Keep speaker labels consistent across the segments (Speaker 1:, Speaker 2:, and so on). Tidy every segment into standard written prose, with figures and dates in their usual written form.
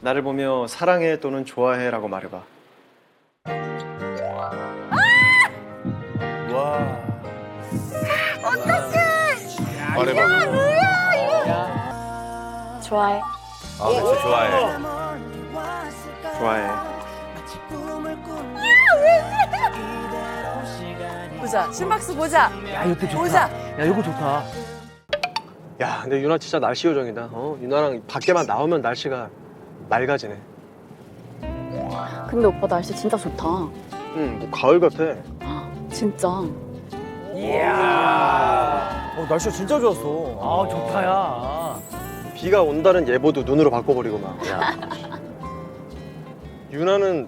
Speaker 1: 나를 보며 사랑해 또는 좋아해라고 말해봐.
Speaker 2: 와.
Speaker 3: 말해봐.
Speaker 4: 좋아해.
Speaker 2: 아, 그치, 좋아해.
Speaker 1: 좋아해.
Speaker 5: 보자. 심박수 보자.
Speaker 6: 야 이것도 좋다.
Speaker 5: 보자.
Speaker 6: 야 이거 좋다.
Speaker 1: 야, 근데 유나 진짜 날씨 요정이다. 유나랑 밖에만 나오면 날씨가 맑아지네.
Speaker 4: 근데 오빠 날씨 진짜 좋다.
Speaker 1: 응, 뭐 가을 같아.
Speaker 4: 진짜.
Speaker 2: 이야. 날씨가 진짜 좋았어.
Speaker 6: 아 좋다야.
Speaker 1: 비가 온다는 예보도 눈으로 바꿔버리고 막.
Speaker 2: 야.
Speaker 1: 유나는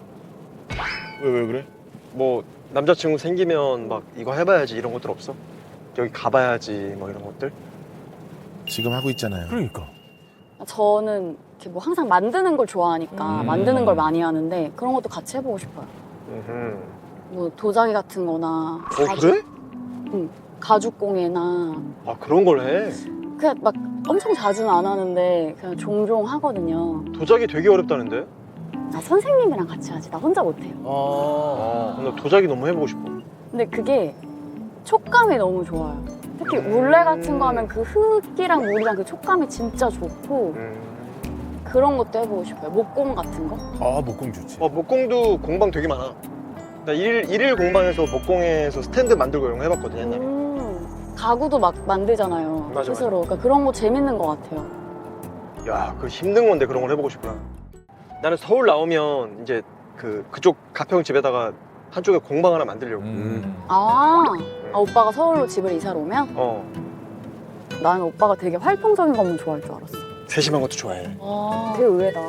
Speaker 3: 왜 그래?
Speaker 1: 뭐 남자친구 생기면 막 이거 해봐야지 이런 것들 없어? 여기 가봐야지 뭐 이런 것들?
Speaker 3: 지금 하고 있잖아요.
Speaker 2: 그러니까.
Speaker 4: 저는 이렇게 뭐 항상 만드는 걸 좋아하니까 만드는 걸 많이 하는데 그런 것도 같이 해보고 싶어요. 뭐 도자기 같은 거나
Speaker 1: 그래?
Speaker 4: 가죽공예나
Speaker 1: 아, 그런 걸 해?
Speaker 4: 그냥 막 엄청 자주는 안 하는데 그냥 종종 하거든요.
Speaker 1: 도자기 되게 어렵다는데?
Speaker 4: 나 선생님이랑 같이 하지. 나 혼자 못해요.
Speaker 1: 나 도자기 너무 해보고 싶어.
Speaker 4: 근데 그게 촉감이 너무 좋아요. 특히 울레 같은 거 하면 그 흙이랑 물이랑 그 촉감이 진짜 좋고 그런 것도 해보고 싶어요. 목공 같은 거?
Speaker 3: 아, 목공 좋지.
Speaker 1: 목공도 공방 되게 많아. 나 일일 공방에서 목공에서 스탠드 만들고 이런 거 해봤거든, 옛날에.
Speaker 4: 가구도 막 만들잖아요.
Speaker 1: 맞아,
Speaker 4: 스스로. 그러니까 그런 거 재밌는 것 같아요.
Speaker 1: 야, 그 힘든 건데 그런 걸 해보고 싶구나. 나는 서울 나오면 이제 그쪽 가평 집에다가 한쪽에 공방 하나 만들려고.
Speaker 4: 아, 오빠가 서울로 집을 이사를 오면? 나는 오빠가 되게 활동적인 것만 좋아할 줄 알았어.
Speaker 1: 세심한 것도 좋아해.
Speaker 4: 되게 의외다.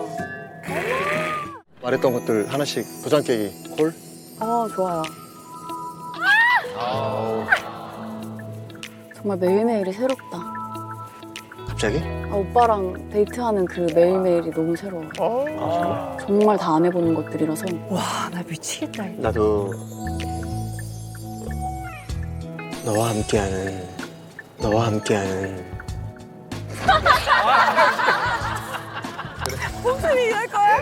Speaker 1: 말했던 것들 하나씩 도장 깨기. 콜?
Speaker 4: 좋아요. 정말 매일매일이 새롭다.
Speaker 1: 갑자기?
Speaker 4: 오빠랑 데이트하는 그 매일매일이 너무 새로워요. 정말 다 안 해보는 것들이라서.
Speaker 5: 와, 나 미치겠다.
Speaker 1: 나도 너와 함께하는
Speaker 5: 무슨 얘기 할 거야?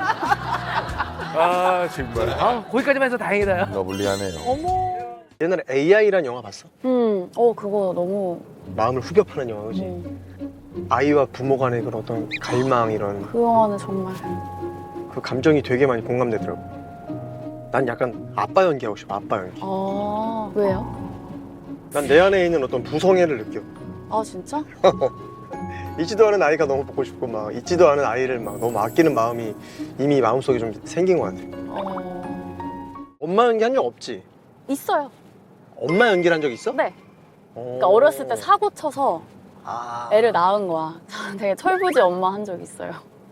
Speaker 3: 아, 정말.
Speaker 6: 아 거기까지만 해서 다행이다. 야.
Speaker 3: 러블리하네요.
Speaker 5: 어머.
Speaker 1: 옛날에 AI란 영화 봤어?
Speaker 4: 그거 너무.
Speaker 1: 마음을 후벼파는 영화, 그지? 아이와 부모 간의 그런 어떤 갈망 이런
Speaker 4: 그 영화는 정말.
Speaker 1: 그 감정이 되게 많이 공감되더라고. 난 약간 아빠 연기하고 싶어, 아빠 연기.
Speaker 4: 왜요?
Speaker 1: 난 내 안에 있는 어떤 부성애를 느껴.
Speaker 4: 진짜?
Speaker 1: 있지도 않은 아이가 너무 보고 싶고 막 있지도 않은 아이를 막 너무 아끼는 마음이 이미 마음속에 좀 생긴 것 같아. 엄마 연기 한 적 없지?
Speaker 4: 있어요.
Speaker 1: 엄마 연기를 한 적 있어?
Speaker 4: 네. 그러니까 어렸을 때 사고 쳐서 애를 낳은 거야. 저는 되게 철부지 엄마 한 적 있어요.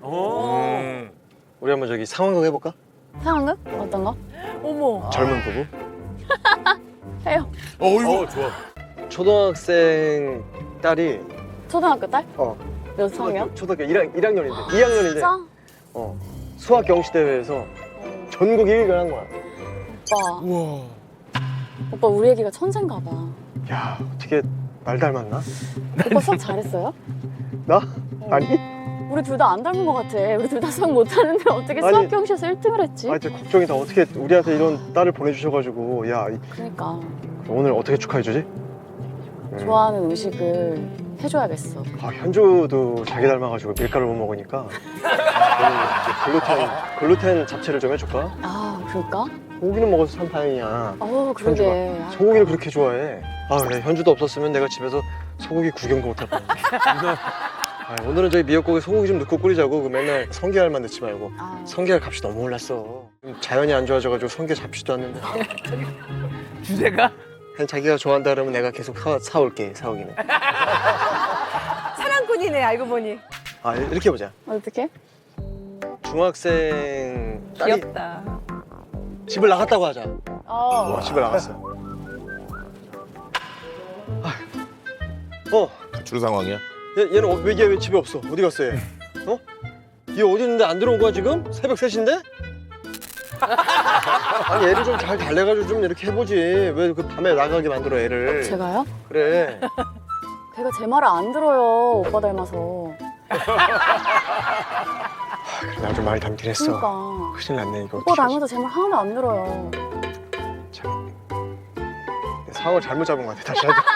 Speaker 1: 우리 한번 저기 상황극 해볼까?
Speaker 4: 상황극? 어떤 거?
Speaker 5: 어머.
Speaker 1: 젊은 부부?
Speaker 4: 해요.
Speaker 3: 이거 좋아.
Speaker 1: 초등학생 딸이
Speaker 4: 초등학교 딸? 몇 학년?
Speaker 1: 초등학교 1학년인데 2학년인데
Speaker 4: 진짜?
Speaker 1: 수학 경시 대회에서 전국 1위를 한 거야.
Speaker 4: 오빠 우리 애기가 천재인가 봐.
Speaker 1: 야, 어떻게 날 닮았나?
Speaker 4: 오빠 수학 잘했어요?
Speaker 1: 나? 아니?
Speaker 4: 우리 둘 다 안 닮은 것 같아. 우리 둘 다 수학 못하는데 어떻게
Speaker 1: 아니.
Speaker 4: 수학 경시에서 1등을 했지?
Speaker 1: 진짜 걱정이다. 어떻게 우리한테 이런 딸을 보내주셔가지고 야,
Speaker 4: 그러니까
Speaker 1: 오늘 어떻게 축하해주지?
Speaker 4: 좋아하는 음식을 해줘야겠어.
Speaker 1: 현주도 자기 닮아가지고 밀가루 못 먹으니까 오늘 이제 글루텐 잡채를 좀 해줄까?
Speaker 4: 그럴까?
Speaker 1: 고기는 먹어서 참 다행이야.
Speaker 4: 그러게.
Speaker 1: 소고기를 그렇게 좋아해. 현주도 없었으면 내가 집에서 소고기 구경도 못할 뻔했네. 오늘은 저희 미역국에 소고기 좀 넣고 끓이자고. 그 맨날 성게알만 넣지 말고. 성게알 값이 너무 올랐어. 자연이 안 좋아져가지고 성게 잡지도 않는데.
Speaker 6: 주제가?
Speaker 1: 그냥 자기가 좋아한다 그러면 내가 계속 사올게, 사오기는.
Speaker 5: 사랑꾼이네, 알고 보니.
Speaker 1: 이렇게 해보자.
Speaker 4: 어떻게?
Speaker 1: 중학생 딸이
Speaker 5: 귀엽다.
Speaker 1: 집을 나갔다고 하자. 집을 나갔어.
Speaker 3: 가출 상황이야?
Speaker 1: 얘는 왜 집에 없어? 어디 갔어 얘? 얘 어디 있는데 안 들어온 거야 지금? 새벽 3시인데? 아니 애를 좀 잘 달래가지고 좀 이렇게 해보지. 왜 그 밤에 나가게 만들어 애를?
Speaker 4: 제가요?
Speaker 1: 그래.
Speaker 4: 걔가 제 말을 안 들어요. 오빠 닮아서.
Speaker 1: 그래 나 좀 많이 닮긴 했어.
Speaker 4: 그러니까.
Speaker 1: 큰일 났네 이거.
Speaker 4: 오빠 닮아서 제 말 하나도 안 들어요.
Speaker 1: 참. 내 상황을 잘못 잡은 것 같아. 다시 하자.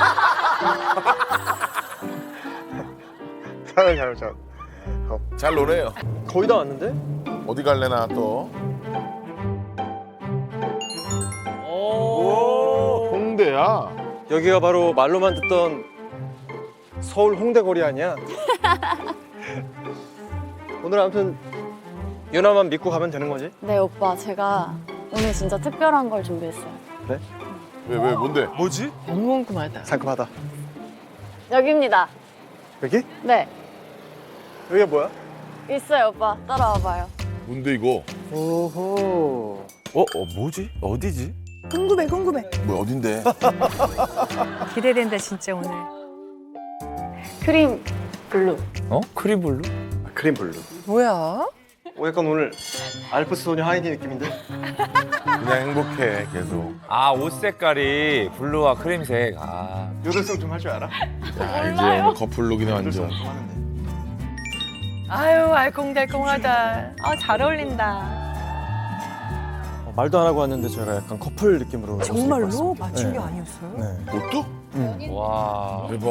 Speaker 1: 상황을 잘못 잡.
Speaker 3: 잘 노네요.
Speaker 1: 거의 다 왔는데?
Speaker 3: 어디 갈래나 또.
Speaker 6: 오.
Speaker 3: 홍대야.
Speaker 1: 여기가 바로 말로만 듣던 서울 홍대 거리 아니야? 오늘 아무튼 유나만 믿고 가면 되는 거지?
Speaker 4: 네 오빠 제가 오늘 진짜 특별한 걸 준비했어요.
Speaker 1: 그래?
Speaker 3: 왜 뭔데?
Speaker 2: 뭐지?
Speaker 5: 너무 궁금하다.
Speaker 1: 상큼하다.
Speaker 4: 여기입니다.
Speaker 1: 여기?
Speaker 4: 네
Speaker 1: 여기가 뭐야?
Speaker 4: 있어요 오빠 따라와봐요.
Speaker 3: 뭔데 이거?
Speaker 1: 오호.
Speaker 2: 뭐지? 어디지?
Speaker 5: 궁금해.
Speaker 3: 뭐 어딘데?
Speaker 5: 기대된다 진짜 오늘.
Speaker 4: 크림 블루.
Speaker 2: 어? 크림블루?
Speaker 1: 크림 블루.
Speaker 5: 뭐야?
Speaker 1: 약간 오늘 알프스 소녀 하이디 느낌인데?
Speaker 3: 그냥 행복해 계속.
Speaker 2: 아, 옷 색깔이 블루와 크림색. 아.
Speaker 1: 요들성 좀 할 줄 알아?
Speaker 3: 야 이제 오늘 커플룩이네
Speaker 1: 요들성
Speaker 3: 완전.
Speaker 1: 좀 하는데.
Speaker 5: 아유 알콩달콩하다. 아 잘 어울린다.
Speaker 7: 말도 안 하고 왔는데 저희가 약간 커플 느낌으로 옷을 입고
Speaker 5: 정말로
Speaker 7: 왔습니다.
Speaker 5: 맞춘 게
Speaker 7: 네.
Speaker 5: 아니었어요?
Speaker 7: 네.
Speaker 3: 옷도?
Speaker 2: 와.
Speaker 3: 대박.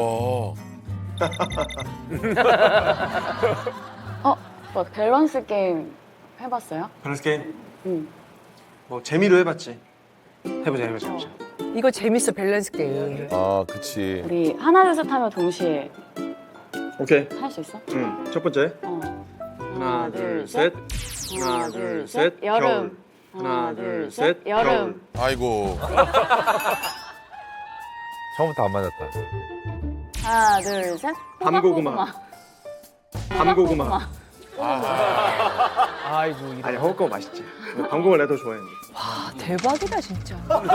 Speaker 4: 뭐 밸런스 게임 해봤어요?
Speaker 1: 밸런스 게임?
Speaker 4: 응.
Speaker 1: 뭐 재미로 해봤지. 해보자.
Speaker 5: 이거 재밌어 밸런스 게임.
Speaker 3: 아 그치.
Speaker 4: 우리 하나 둘 셋 하면 동시에
Speaker 1: 오케이.
Speaker 4: 할 수 있어?
Speaker 1: 응. 첫 번째. 하나, 둘, 셋. 하나, 둘, 셋.
Speaker 4: 여름.
Speaker 1: 하나, 둘, 셋.
Speaker 4: 여름.
Speaker 3: 아이고.
Speaker 2: 처음부터 안 맞았다.
Speaker 4: 하나 둘 셋.
Speaker 1: 밤고구마. 밤고구마.
Speaker 6: 아이고 이런.
Speaker 1: 아니 허겁고 맛있지. 밤고구마 내가 더 좋아했는데.
Speaker 5: 아 대박이다 진짜.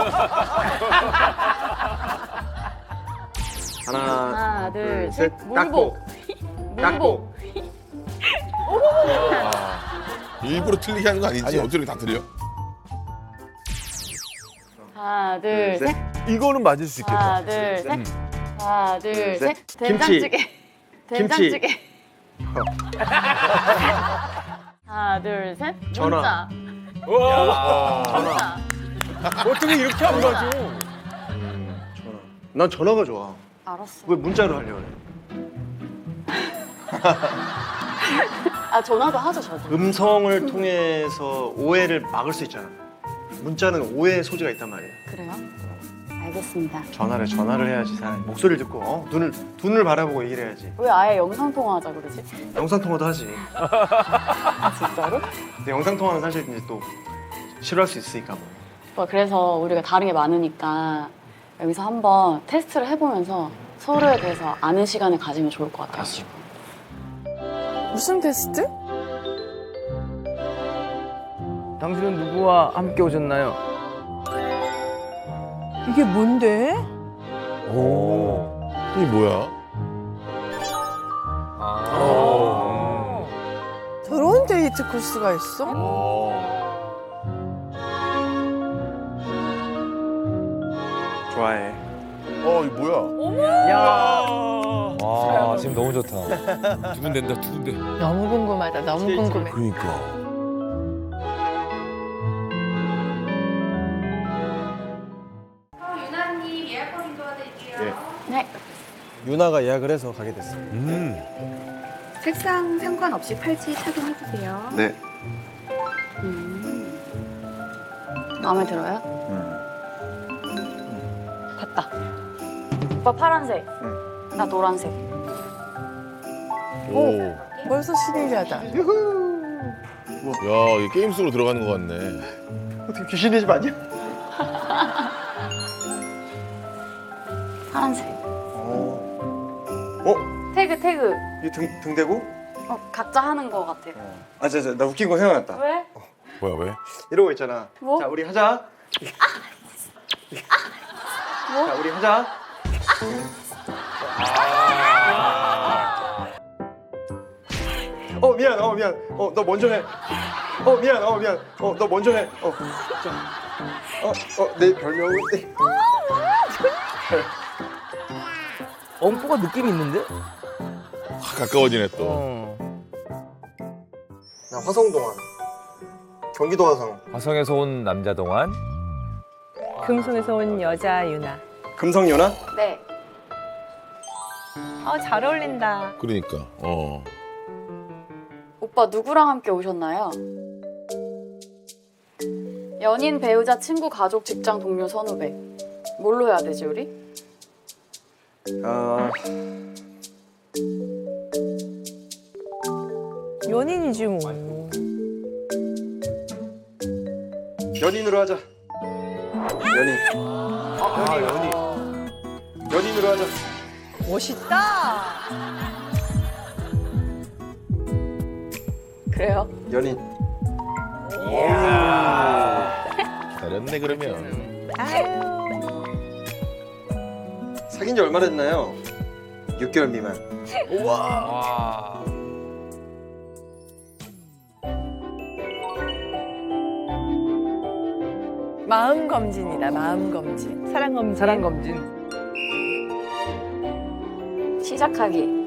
Speaker 1: 하나,
Speaker 4: 둘,
Speaker 1: 둘, 셋.
Speaker 4: 셋. 물복.
Speaker 1: 딱복.
Speaker 3: 일부러 틀리게 하는 거 아니지? 어떻게 다 틀려?
Speaker 4: 하나 둘 셋.
Speaker 2: 이거는 맞을 수 있겠다.
Speaker 4: 하나 둘 셋. 하나 둘 셋.
Speaker 1: 셋.
Speaker 4: 된장찌개.
Speaker 1: 김치.
Speaker 4: 된장찌개. 하나 둘 셋.
Speaker 1: 전화.
Speaker 4: 문자. 전화.
Speaker 2: 어떻게 이렇게 안 맞아?
Speaker 1: 전화. 난 전화가 좋아.
Speaker 4: 알았어.
Speaker 1: 왜 문자로 하려고 그래?
Speaker 4: 아 전화도 하죠 저도.
Speaker 1: 음성을 통해서 오해를 막을 수 있잖아. 문자는 오해 소지가 있단 말이야.
Speaker 4: 그래요? 알겠습니다.
Speaker 1: 전화를 해야지 사람. 목소리를 듣고 눈을 바라보고 얘기를 해야지.
Speaker 4: 왜 아예 영상 통화하자 그러지?
Speaker 1: 영상 통화도 하지.
Speaker 4: 아 진짜로?
Speaker 1: 근데 영상 통화는 사실 이제 또 싫어할 수 있으니까 뭐.
Speaker 4: 오빠, 그래서 우리가 다른 게 많으니까 여기서 한번 테스트를 해보면서 서로에 대해서 아는 시간을 가지면 좋을 것 같아요.
Speaker 5: 무슨 테스트?
Speaker 6: 당신은 누구와 함께 오셨나요?
Speaker 5: 이게 뭔데?
Speaker 2: 오.
Speaker 3: 이게 뭐야?
Speaker 2: 아.
Speaker 5: 저런 데이트 코스가 있어?
Speaker 1: 좋아해.
Speaker 3: 이거 뭐야?
Speaker 6: 야.
Speaker 2: 와, 지금 너무 좋다.
Speaker 3: 두근댄다 두근대.
Speaker 5: 너무 궁금하다. 너무 궁금해.
Speaker 3: 그러니까.
Speaker 8: 유나님 예약 확인 도와드릴게요.
Speaker 4: 네.
Speaker 7: 유나가 예약을 해서 가게 됐어요.
Speaker 8: 색상 상관없이 팔찌 착용해주세요.
Speaker 1: 네.
Speaker 4: 마음에 들어요? 됐다. 오빠 파란색. 나 노란색.
Speaker 3: 오.
Speaker 5: 벌써 신기하다.
Speaker 3: 야, 이게 게임 속으로 들어가는 것 같네.
Speaker 1: 어떻게 귀신의 집 아니야?
Speaker 4: 파란색.
Speaker 1: 어?
Speaker 4: 태그.
Speaker 1: 이 등 대고?
Speaker 4: 각자 하는 거 같아요.
Speaker 1: 아, 나 웃긴 거 생각났다.
Speaker 4: 왜?
Speaker 3: 뭐야 왜?
Speaker 1: 이러고 있잖아.
Speaker 4: 뭐?
Speaker 1: 자, 우리 하자.
Speaker 4: 뭐?
Speaker 1: 자, 우리 하자. 미안. 너 먼저 해. 미안. 너 먼저 해. 내 별명은.
Speaker 6: 엄포가 느낌이 있는데?
Speaker 3: 확 가까워지네 또.
Speaker 6: 어.
Speaker 1: 나 화성동안. 경기도 화성.
Speaker 2: 화성에서 온 남자 동안.
Speaker 5: 금성에서 온 여자 유나.
Speaker 1: 금성연아?
Speaker 4: 네.
Speaker 5: 잘 어울린다.
Speaker 3: 그러니까.
Speaker 4: 오빠 누구랑 함께 오셨나요? 연인, 배우자, 친구, 가족, 직장, 동료, 선후배. 뭘로 해야 되지 우리?
Speaker 5: 연인이지 뭐.
Speaker 1: 연인으로 하자. 연인. 연인으로 하자.
Speaker 5: 멋있다.
Speaker 4: 그래요?
Speaker 1: 연인.
Speaker 3: 잘했네 그러면.
Speaker 5: 아유.
Speaker 1: 사귄 지 얼마 됐나요? 6개월 미만.
Speaker 2: 와.
Speaker 5: 마음 검진이다. 마음 검진. 사랑 검진.
Speaker 6: 사랑 검진.
Speaker 4: 시작하기.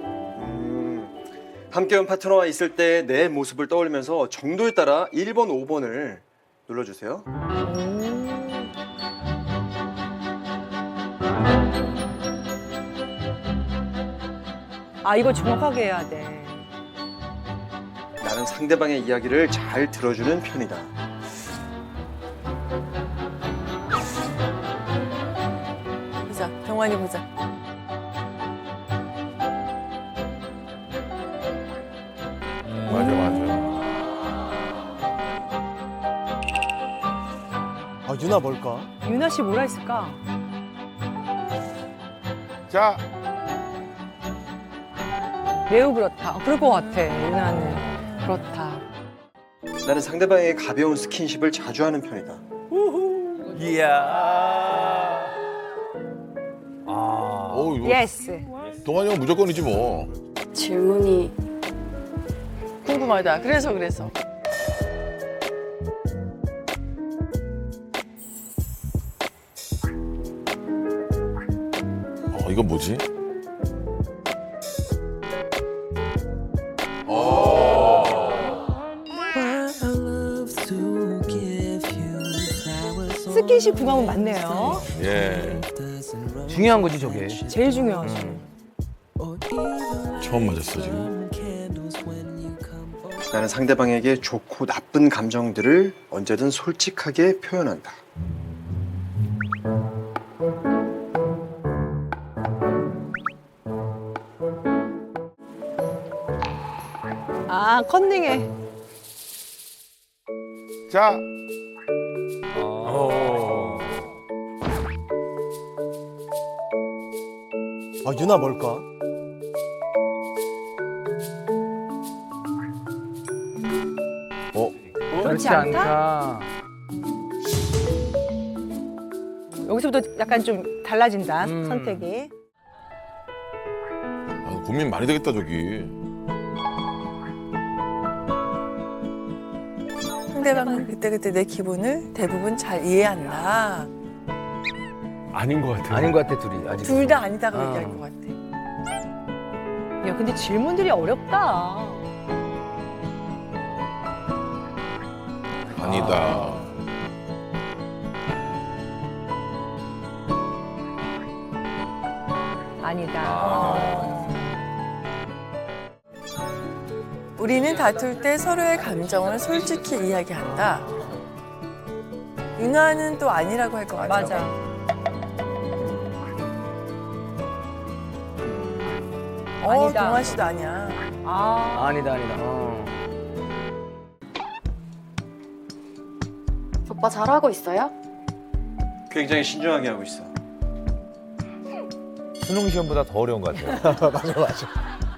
Speaker 1: 함께 온 파트너와 있을 때 내 모습을 떠올리면서 정도에 따라 1번, 5번을 눌러주세요.
Speaker 5: 이거 정확하게 해야 돼.
Speaker 1: 나는 상대방의 이야기를 잘 들어주는 편이다.
Speaker 5: 보자. 경환이 보자.
Speaker 3: 맞아 맞아.
Speaker 7: 유나 뭘까?
Speaker 5: 유나 씨 뭐라 했을까?
Speaker 3: 자,
Speaker 5: 매우 그렇다. 그럴 것 같아. 유나는 그렇다.
Speaker 1: 나는 상대방에게 가벼운 스킨십을 자주 하는 편이다.
Speaker 2: 이야.
Speaker 3: 이거
Speaker 5: 예스.
Speaker 3: 동환이 형 무조건이지 뭐.
Speaker 4: 질문이
Speaker 5: 궁금하다. 그래서.
Speaker 3: 이건 뭐지?
Speaker 5: 스킨십 궁합은 맞네요.
Speaker 3: 예.
Speaker 6: 중요한 거지 저게.
Speaker 5: 제일 중요하지.
Speaker 3: 처음 맞았어 지금.
Speaker 1: 나는 상대방에게 좋고 나쁜 감정들을 언제든 솔직하게 표현한다.
Speaker 5: 컨닝해.
Speaker 3: 자,
Speaker 7: 유나 뭘까?
Speaker 6: 그렇지 않다.
Speaker 5: 여기서부터 약간 좀 달라진다.
Speaker 6: 음.
Speaker 5: 선택이.
Speaker 3: 고민 많이 되겠다 저기.
Speaker 5: 상대방은 그때그때 내 기분을 대부분 잘 이해한다.
Speaker 6: 아닌 것 같아 둘이 아직.
Speaker 5: 둘 다 아니다고
Speaker 6: 어.
Speaker 5: 얘기할 것 같아. 야, 근데 질문들이 어렵다.
Speaker 3: 아니다.
Speaker 5: 아니다. 우리는 다툴 때 서로의 감정을 솔직히 이야기한다. 윤아는 또 아니라고 할 것 같아. 맞아.
Speaker 4: 아니다.
Speaker 5: 동환 씨도 아니야.
Speaker 6: 아니다.
Speaker 4: 오빠 잘하고 있어요?
Speaker 1: 굉장히 신중하게 하고 있어.
Speaker 2: 수능 시험보다 더 어려운 것 같아요.
Speaker 7: 맞아.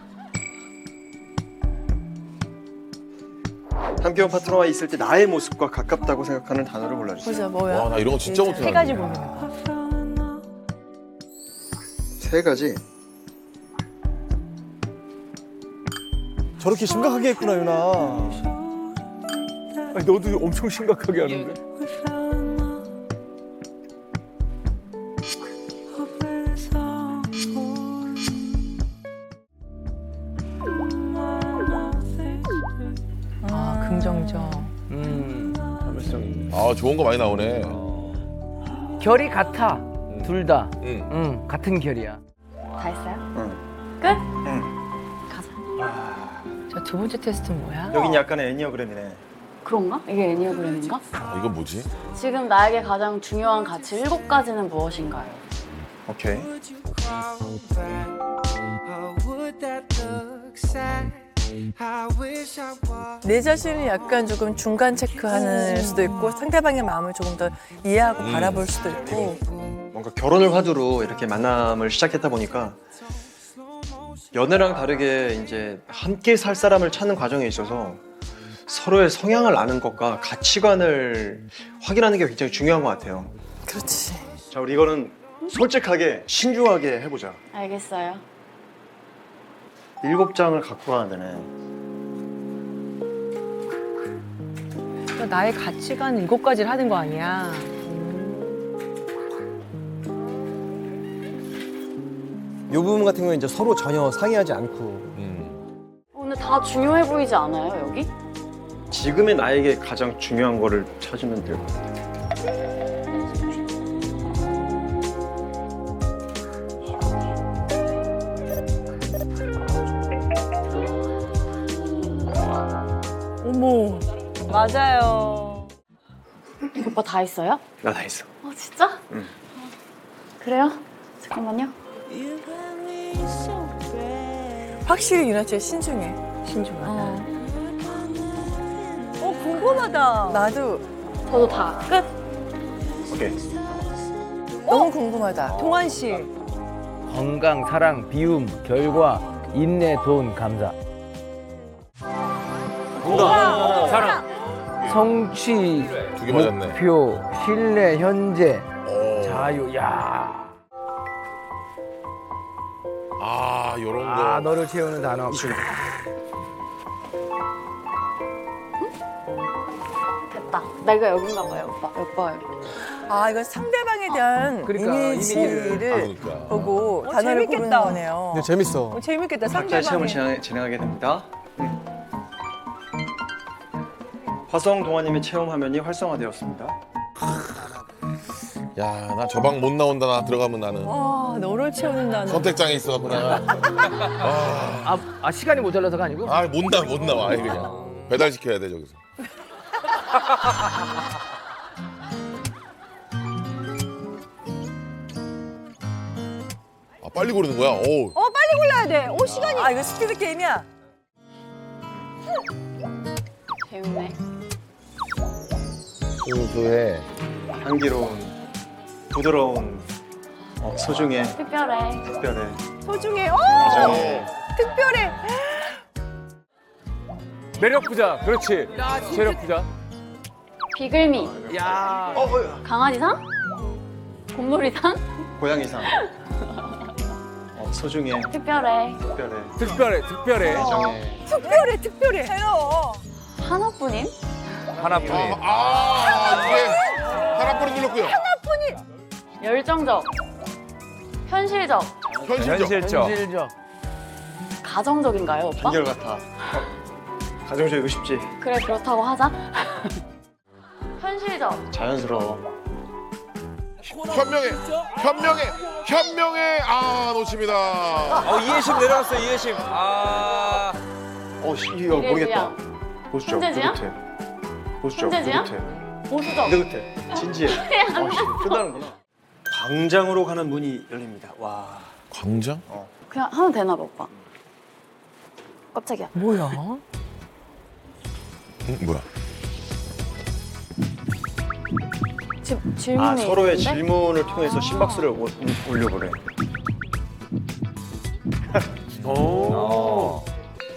Speaker 1: 함께 온 파트너와 있을 때 나의 모습과 가깝다고 생각하는 단어를 골라주세요.
Speaker 5: 보자, 뭐야?
Speaker 3: 와, 나 이런 거 진짜 못해.
Speaker 5: 세 가지 보는 거.
Speaker 1: 세 가지.
Speaker 7: 저렇게 심각하게 했구나 유나.
Speaker 6: 너도 엄청 심각하게 하는데.
Speaker 5: 긍정적.
Speaker 3: 아, 좋은 거 많이 나오네.
Speaker 6: 결이 같아. 둘 다.
Speaker 3: 응.
Speaker 6: 같은 결이야.
Speaker 4: 다 했어요?
Speaker 1: 응.
Speaker 4: 끝?
Speaker 1: 응.
Speaker 4: 가자.
Speaker 5: 저 두 번째 테스트는 뭐야?
Speaker 1: 여긴 약간의 애니어그램이네.
Speaker 4: 그런가? 이게 애니어그램인가?
Speaker 3: 아, 이건 뭐지?
Speaker 4: 지금 나에게 가장 중요한 가치 7가지는 무엇인가요?
Speaker 1: 오케이.
Speaker 5: 내 자신을 약간 조금 중간 체크하는 수도 있고 상대방의 마음을 조금 더 이해하고 바라볼 수도 있고.
Speaker 1: 뭔가 결혼을 화두로 이렇게 만남을 시작했다 보니까 연애랑 다르게 이제 함께 살 사람을 찾는 과정에 있어서 서로의 성향을 아는 것과 가치관을 확인하는 게 굉장히 중요한 것 같아요.
Speaker 5: 그렇지.
Speaker 1: 자, 우리 이거는 솔직하게 신중하게 해보자.
Speaker 4: 알겠어요.
Speaker 1: 7장을 갖고 가야 되네.
Speaker 9: 그러니까 나의 가치관 7가지를 하는 거 아니야.
Speaker 7: 이 부분 같은 경우는 이제 서로 전혀 상의하지 않고
Speaker 4: 근데 다 중요해 보이지 않아요, 여기?
Speaker 1: 지금의 나에게 가장 중요한 거를 찾으면 될 것 같아요.
Speaker 5: 어머.
Speaker 9: 맞아요.
Speaker 4: 오빠 다 했어요?
Speaker 1: 나 다 했어.
Speaker 4: 진짜?
Speaker 1: 응.
Speaker 4: 그래요? 잠깐만요.
Speaker 5: 확실히 유나 씨 신중해.
Speaker 9: 신중하다. 궁금하다.
Speaker 5: 나도
Speaker 4: 저도 다 끝?
Speaker 1: 오케이.
Speaker 5: 너무 궁금하다.
Speaker 9: 동환 씨.
Speaker 6: 건강, 사랑, 비움, 결과, 인내, 돈, 감사. 사랑. 성취,
Speaker 3: 두 개 맞았네.
Speaker 6: 목표, 신뢰, 현재,
Speaker 3: 오.
Speaker 6: 자유. 야.
Speaker 3: 아, 요런 거.
Speaker 6: 아, 너를 채우는 단어.
Speaker 4: 됐다. 내가 여긴가 봐요, 오빠. 오빠 여기.
Speaker 5: 아, 이건 상대방에 대한
Speaker 6: 그러니까,
Speaker 5: 이미지를
Speaker 3: 그러니까.
Speaker 5: 보고 단어를 고르는
Speaker 9: 재밌겠다.
Speaker 5: 거네요.
Speaker 7: 근데 재밌어.
Speaker 9: 재밌겠다.
Speaker 1: 각자의 체험을
Speaker 9: 상대방이.
Speaker 1: 진행하게 됩니다. 화성 동아님의 체험 화면이 활성화되었습니다.
Speaker 3: 야, 나 저 방 못 나온다. 나 들어가면 나는.
Speaker 9: 와, 너를 채우는다는.
Speaker 3: 선택장에 있어갖고 나.
Speaker 6: 시간이 모자라서가 아니고?
Speaker 3: 아, 못 나와. 아예 그냥. 배달시켜야 돼, 저기서. 아, 빨리 고르는 거야? 오.
Speaker 9: 빨리 골라야 돼. 시간이.
Speaker 5: 아, 이거 스피드 게임이야?
Speaker 4: 재밌네.
Speaker 6: 소소해.
Speaker 1: 향기로운, 부드러운, 소중해,
Speaker 4: 특별해.
Speaker 1: 특별해.
Speaker 9: 소중해.
Speaker 1: 가정해.
Speaker 9: 특별해.
Speaker 2: 매력 부자. 그렇지. 체력 부자.
Speaker 4: 비글미.
Speaker 6: 야.
Speaker 4: 강아지상? 곰돌이상?
Speaker 1: 고양이상. 소중해,
Speaker 4: 특별해.
Speaker 1: 특별해.
Speaker 2: 특별해.
Speaker 1: 가정해.
Speaker 9: 특별해.
Speaker 5: 새로워.
Speaker 4: 하나뿐인?
Speaker 2: 하나뿐인.
Speaker 3: 이게 하나뿐이 눌렀고요.
Speaker 4: 열정적. 현실적.
Speaker 3: 현실적.
Speaker 6: 현실적.
Speaker 4: 가정적인가요, 오빠?
Speaker 1: 한결같아. 가정적이고 싶지.
Speaker 4: 그래, 그렇다고 하자. 현실적.
Speaker 1: 자연스러워.
Speaker 3: 현명해. 아, 놓칩니다.
Speaker 2: 이해심 내려갔어요. 이해심.
Speaker 1: 이거 모르겠다. 보수적,
Speaker 4: 현재지야?
Speaker 1: 느긋해. 보수적,
Speaker 4: 현재지야?
Speaker 1: 느긋해.
Speaker 4: 보수적.
Speaker 1: 느긋해. 진지해. 끝나는구나. 광장으로 가는 문이 열립니다. 와.
Speaker 3: 광장?
Speaker 4: 그냥 하면 되나 봐, 오빠. 깜짝이야.
Speaker 5: 뭐야?
Speaker 3: 뭐야?
Speaker 4: 질문이
Speaker 1: 서로의
Speaker 4: 있는데?
Speaker 1: 질문을 통해서 심박수를 올려보래.
Speaker 2: 오.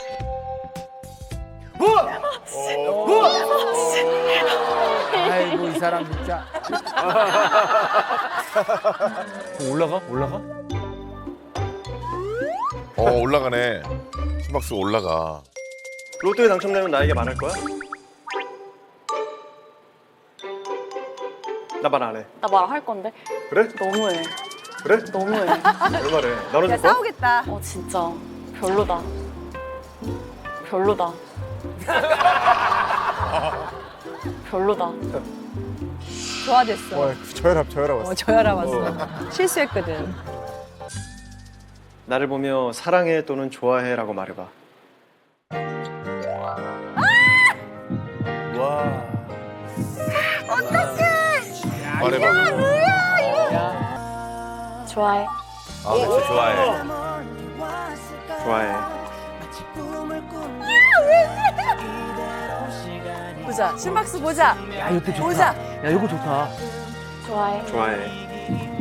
Speaker 6: 아이고, 이 사람 진짜.
Speaker 2: 올라가?
Speaker 3: 올라가네. 심박수가 올라가.
Speaker 1: 로또에 당첨되면 나에게 말할 거야? 나 말 안 해.
Speaker 4: 나 말할 건데.
Speaker 1: 그래?
Speaker 4: 너무해.
Speaker 1: 그래?
Speaker 4: 너무해.
Speaker 1: 얼마래? 너는
Speaker 9: 야,
Speaker 1: 줄 거야?
Speaker 9: 싸우겠다.
Speaker 4: 진짜. 별로다. 별로다. 별로다.
Speaker 9: 좋아졌어.
Speaker 7: 저혈압 왔어.
Speaker 9: 저혈압 왔어. 실수했거든.
Speaker 1: 나를 보며 사랑해 또는 좋아해라고 말해봐.
Speaker 3: 말해봐.
Speaker 4: 좋아해.
Speaker 2: 아, 그치, 좋아해.
Speaker 1: 좋아해.
Speaker 5: 보자. 심박수 보자.
Speaker 6: 야, 이것도 좋다.
Speaker 5: 보자.
Speaker 6: 야, 이거 좋다.
Speaker 4: 좋아해.
Speaker 1: 좋아해.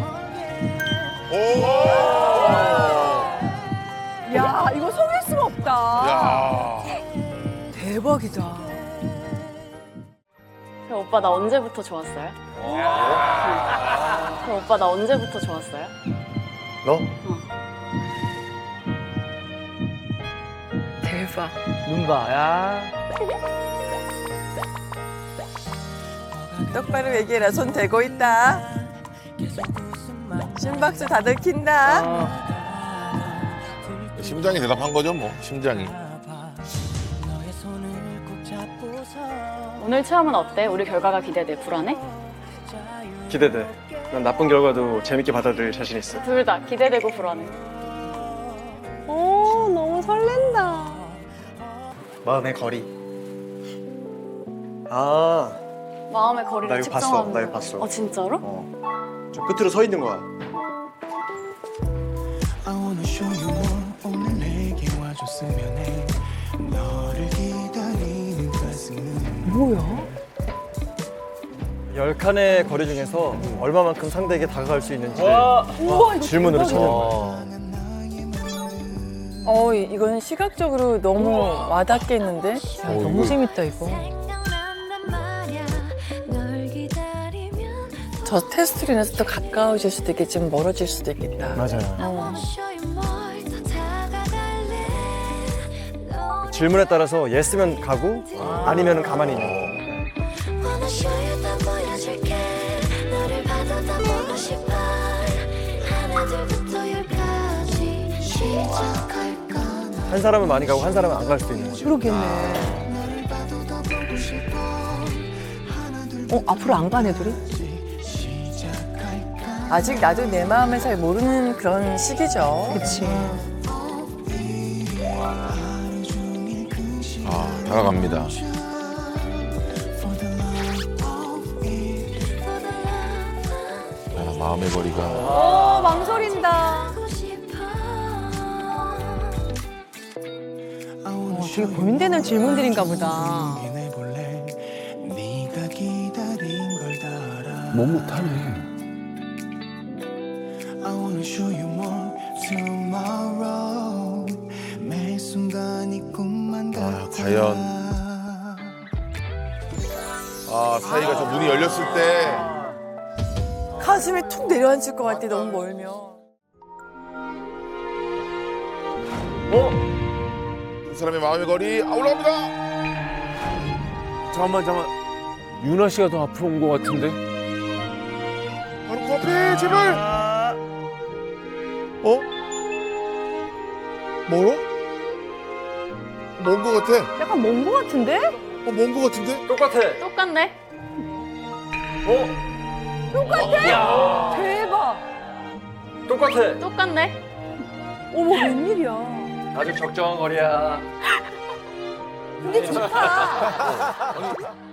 Speaker 5: 야, 이거 속일 수가 없다.
Speaker 3: 야.
Speaker 5: 대박이다.
Speaker 4: 그럼 오빠 나 언제부터 좋았어요? 그럼 오빠 나 언제부터 좋았어요?
Speaker 1: 너?
Speaker 5: 대박.
Speaker 6: 눈 봐, 야.
Speaker 5: 똑바로 얘기해라. 손 대고 있다. 심박수 다들 킨다.
Speaker 3: 심장이 대답한 거죠, 뭐. 심장이.
Speaker 4: 오늘 체험은 어때? 우리 결과가 기대돼. 불안해?
Speaker 1: 기대돼. 난 나쁜 결과도 재밌게 받아들일 자신 있어.
Speaker 4: 둘 다 기대되고 불안해.
Speaker 9: 오, 너무 설렌다.
Speaker 1: 마음의 거리. 아,
Speaker 4: 마음의 거리를
Speaker 1: 나 이거 봤어.
Speaker 4: 측정하는
Speaker 1: 나 이거
Speaker 4: 거야.
Speaker 1: 봤어.
Speaker 4: 어 진짜로?
Speaker 1: 저 끝으로 서 있는 거야.
Speaker 5: 뭐야?
Speaker 7: 10칸의 거리 중에서 얼마만큼 상대에게 다가갈 수 있는지
Speaker 5: 우와, 이거
Speaker 7: 질문으로 찾는 거야.
Speaker 5: 이건 시각적으로 너무 와닿겠는데?
Speaker 9: 너무 재밌다, 이거.
Speaker 5: 저 테스트로 인해서 또 가까워질 수도 있겠지만 멀어질 수도 있겠다.
Speaker 7: 맞아요. 질문에 따라서 예스면 가고 아니면 가만히 있는 거. 한 사람은 많이 가고 한 사람은 안 갈 수도 있는 거죠.
Speaker 9: 그러겠네. 앞으로 안 가네, 둘이?
Speaker 5: 아직 나도 내 마음을 잘 모르는 그런 시기죠.
Speaker 9: 그치.
Speaker 3: 아, 다가갑니다. 아, 마음의 거리가.
Speaker 5: 망설인다.
Speaker 9: 되게 고민되는 질문들인가 보다.
Speaker 6: 못 못하네.
Speaker 3: 아, 과연. 아, 사이가 저 문이 열렸을 때.
Speaker 5: 가슴이 툭 내려앉을 것 같아, 너무 멀면.
Speaker 3: 두 사람의 마음의 거리. 아, 올라갑니다.
Speaker 2: 잠깐만. 유나 씨가 더 앞으로 온 것 같은데?
Speaker 3: 바로 그 앞에, 제발. 멀어? 먼 거 같아.
Speaker 9: 약간 먼 거 같은데?
Speaker 3: 먼 거 같은데?
Speaker 1: 똑같아.
Speaker 4: 똑같네.
Speaker 5: 대박.
Speaker 1: 똑같아.
Speaker 4: 똑같네.
Speaker 5: 어머, 웬일이야.
Speaker 1: 아주 적정한 거리야.
Speaker 5: 근데 좋다.